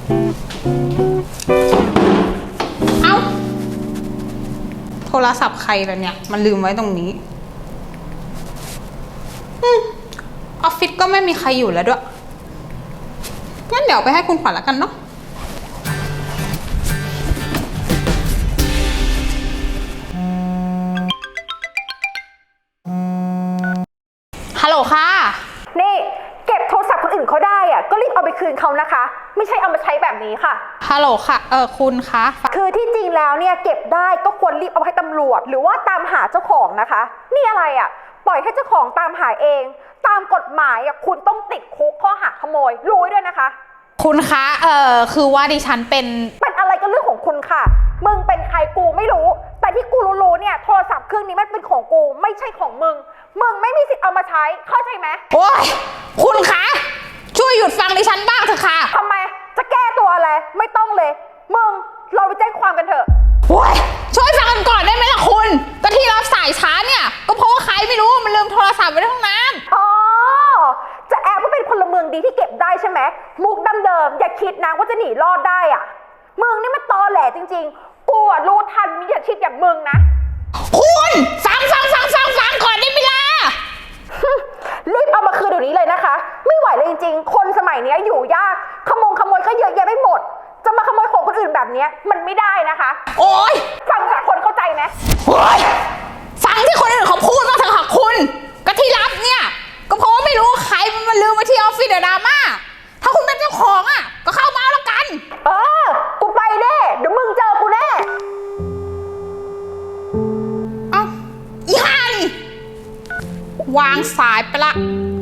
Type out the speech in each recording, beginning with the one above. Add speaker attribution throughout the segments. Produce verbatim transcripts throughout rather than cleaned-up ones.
Speaker 1: เอ้าโทรศัพท์ใครล่ะเนี่ยมันลืมไว้ตรงนี้ออฟฟิศก็ไม่มีใครอยู่แล้วด้วยงั้นเดี๋ยวไปให้คุณขวัญแล้วกันเนาะฮัลโหลค่ะ
Speaker 2: นี่เก็บโทรศัพท์คนอื่นเขาได้อะก็รีบเอาไปคืนเขานะคะไม่ใช่เอามาใช้แบบนี้ค่ะ
Speaker 1: ฮัลโหลค่ะเออคุณคะ
Speaker 2: คือที่จริงแล้วเนี่ยเก็บได้ก็ควรรีบเอาให้ตำรวจหรือว่าตามหาเจ้าของนะคะนี่อะไรอะปล่อยให้เจ้าของตามหาเองตามกฎหมายอะคุณต้องติดคุกข้อหาขโมยรู้ด้วยนะคะ
Speaker 1: คุณคะเออคือว่าดิฉันเป็น
Speaker 2: เป็นอะไรก็เรื่องของคุณค่ะมึงเป็นใครกูไม่รู้แต่ที่กูรู้ๆเนี่ยโทรศัพท์เครื่องนี้มันเป็นของกูไม่ใช่ของมึงมึงไม่มีสิทธิ์เอามาใช้เข้าใจไหม
Speaker 1: โอ้ยคุณคะช่วยหยุดฟังดิฉันบ้างเถอะค่ะ
Speaker 2: ทำไมจะแก้ตัวอะไรไม่ต้องเลยมึงเราไปแจ้งความกันเถอะ
Speaker 1: โอ้ยช่วยฟังกันก่อนได้ไหมล่ะคุณก็ที่รับสายช้าเนี่ยก็เพราะว่าใครไม่รู้มันลืมโทรศัพท์ไว้ในห้องน้ำ
Speaker 2: อ๋อจะแอบว่าเป็นพลเมืองดีที่เก็บได้ใช่ไหมมุกเดิมๆอย่าคิดนะว่าจะหนีรอดได้อ่ะมึงนี่มันตอแหลจริงๆกูอ่ะรู้ทันมิจฉาชีพอย่างมึงนะ
Speaker 1: คุณฟังฟังฟังฟังฟังก่อนได้ไหมล่ะ
Speaker 2: รีบเอามาคืนเดี๋ยวนี้เลยนะคะไม่ไหวเลยจริงๆคนสมัยนี้อยู่ยากขโมงขโมยก็เยอะแยะไปหมดจะมาขโมยของคนอื่นแบบนี้มันไม่ได้นะคะ
Speaker 1: โอ๊ย
Speaker 2: ฟังจากคนเข้าใจไหม
Speaker 1: โอ๊ยฟังที่คนอื่นเขาพูดมาเถอะค่ะคุณก็ที่รับเนี่ยก็เพราะว่าไม่รู้ใครมันมาลืมไว้ที่ออฟฟิศเดอะดราม่าถ้าคุณเป็นเจ้าของอ่ะก็เข้ามาแล้วกัน
Speaker 2: เออกูไปแน่เดี๋ยวมึงเจอกูแน่
Speaker 1: เอ้าอีห่านี่วางสายไปละ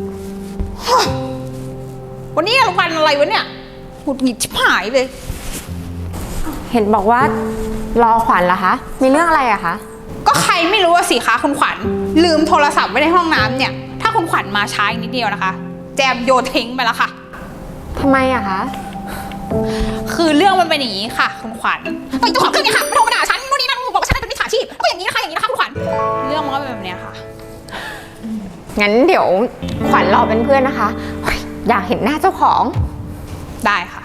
Speaker 1: วันนี้วันอะไรวะเนี่ยหงุดหงิดชิบหายเลย
Speaker 3: เห็นบอกว่ารอขวัญเหรอคะมีเรื่องอะไรอะคะ
Speaker 1: ก็ใครไม่รู้ว่าสิคะคุณขวัญลืมโทรศัพท์ไว้ในห้องน้ำเนี่ยถ้าคุณขวัญมาช้าอีกนิดเดียวนะคะแจมโยนทิ้งไปแล้วค่ะ
Speaker 3: ทำไมอะคะ
Speaker 1: คือเรื่องมันเป็นอย่างนี้ค่ะคุณขวัญไอ้เจ้าของเครื่องเนี่ยค่ะไม่โทรมาด่าฉันนู่นนี่นั่นบอกว่าฉันเป็นมิจฉาชีพก็อย่างนี้นะคะอย่างนี้นะคะคุณขวัญเรื่องมันก็เป็นแบบนี้ค่ะ
Speaker 3: งั้นเดี๋ยวขวัญรอเป็นเพื่อนนะคะอยากเห็นหน้าเจ้าของ
Speaker 1: ได้ค่ะ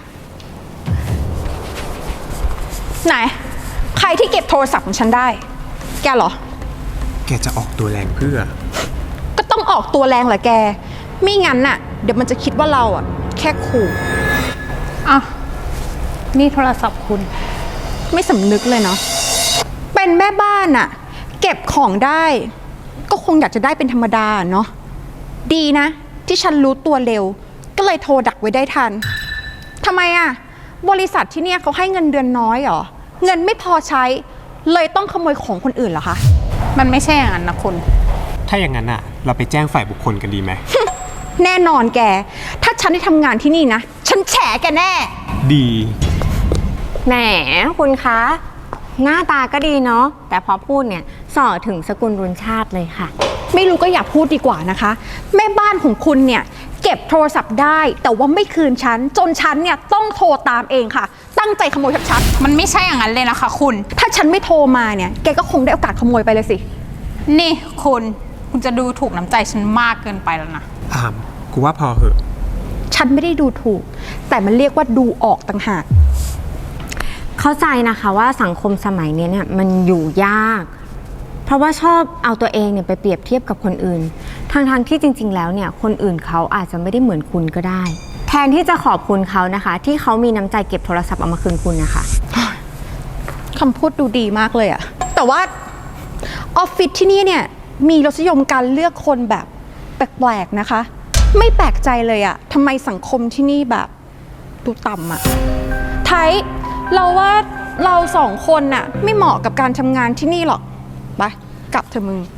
Speaker 2: ไหนใครที่เก็บโทรศัพท์ของฉันได้แกเหรอ
Speaker 4: แกจะออกตัวแรงเพื่อ
Speaker 2: ก็ต้องออกตัวแรงแหละแกไม่งั้นน่ะเดี๋ยวมันจะคิดว่าเราอ่ะแค่ขู่
Speaker 1: อ่ะนี่โทรศัพท์คุณ
Speaker 2: ไม่สำนึกเลยเนาะเป็นแม่บ้านอ่ะเก็บของได้ก็คงอยากจะได้เป็นธรรมดาเนาะดีนะที่ฉันรู้ตัวเร็วก็เลยโทรดักไว้ได้ทันทำไมอ่ะบริษัทที่เนี่ยเขาให้เงินเดือนน้อยเหรอเงินไม่พอใช้เลยต้องขโมยของคนอื่นเหรอคะ
Speaker 1: มันไม่ใช่อย่างนั้นนะคุณ
Speaker 4: ถ้าอย่างนั้นอ่ะเราไปแจ้งฝ่ายบุคคลกันดีไหม
Speaker 2: แน่นอนแกถ้าฉันได้ทำงานที่นี่นะฉันแฉแกแน่
Speaker 4: ดี
Speaker 3: แหมคุณคะหน้าตาก็ดีเนาะแต่พอพูดเนี่ยส่อถึงสกุลรุนชาติเลยค่ะ
Speaker 2: ไม่รู้ก็อย่าพูดดีกว่านะคะแม่บ้านของคุณเนี่ยเก็บโทรศัพท์ได้แต่ว่าไม่คืนฉันจนฉันเนี่ยต้องโทรตามเองค่ะตั้งใจขโมยชัด
Speaker 1: ๆมันไม่ใช่อย่างนั้นเลยนะคะคุณ
Speaker 2: ถ้าฉันไม่โทรมาเนี่ยแกก็คงได้โอกาสขโมยไปเลยสิ
Speaker 1: นี่คุณคุณจะดูถูกน้ำใจฉันมากเกินไปแล้วนะ
Speaker 4: อามกูว่าพอเหอะ
Speaker 2: ฉันไม่ได้ดูถูกแต่มันเรียกว่าดูออกต่างหาก
Speaker 3: เข้าใจนะคะว่าสังคมสมัยนี้เนี่ยมันอยู่ยากเพราะว่าชอบเอาตัวเองเนี่ยไปเปรียบเทียบกับคนอื่นทางทางที่จริงๆแล้วเนี่ยคนอื่นเขาอาจจะไม่ได้เหมือนคุณก็ได้แทนที่จะขอบคุณเขานะคะที่เขามีน้ำใจเก็บโทรศัพท์เอามาคืนคุณนะคะ
Speaker 2: คำพูดดูดีมากเลยอะแต่ว่าออฟฟิศที่นี่เนี่ยมีรสนิยมการเลือกคนแบบแปลกๆนะคะไม่แปลกใจเลยอะทำไมสังคมที่นี่แบบดูต่ำอะไทยเราว่าเราสองคนน่ะไม่เหมาะกับการทำงานที่นี่หรอกไปกลับเถอะมึง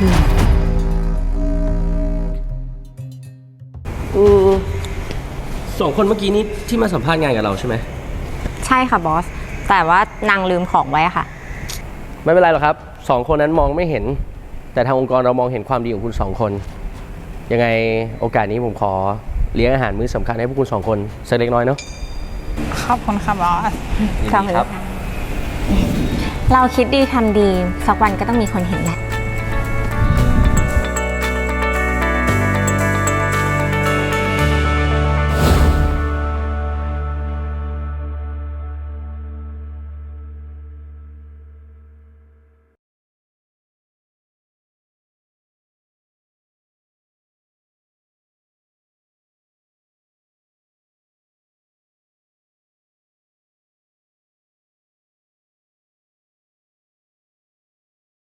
Speaker 5: อืมสองคนเมื่อกี้นี้ที่มาสัมภาษณ์งานกับเราใช่ไหม
Speaker 3: ใช่ค่ะบอสแต่ว่านางลืมของไว้ค่ะ
Speaker 5: ไม่เป็นไรหรอกครับสองคนนั้นมองไม่เห็นแต่ทางองค์กรเรามองเห็นความดีของคุณสองคนยังไงโอกาสนี้ผมขอเลี้ยงอาหารมื้อสำคัญให้พวกคุณสองคนสักเล็กน้อยเนาะ
Speaker 1: ขอบคุณค่ะบอส
Speaker 5: ครับ
Speaker 3: เราคิดดีทำดีสักวันก็ต้องมีคนเห็นแหละ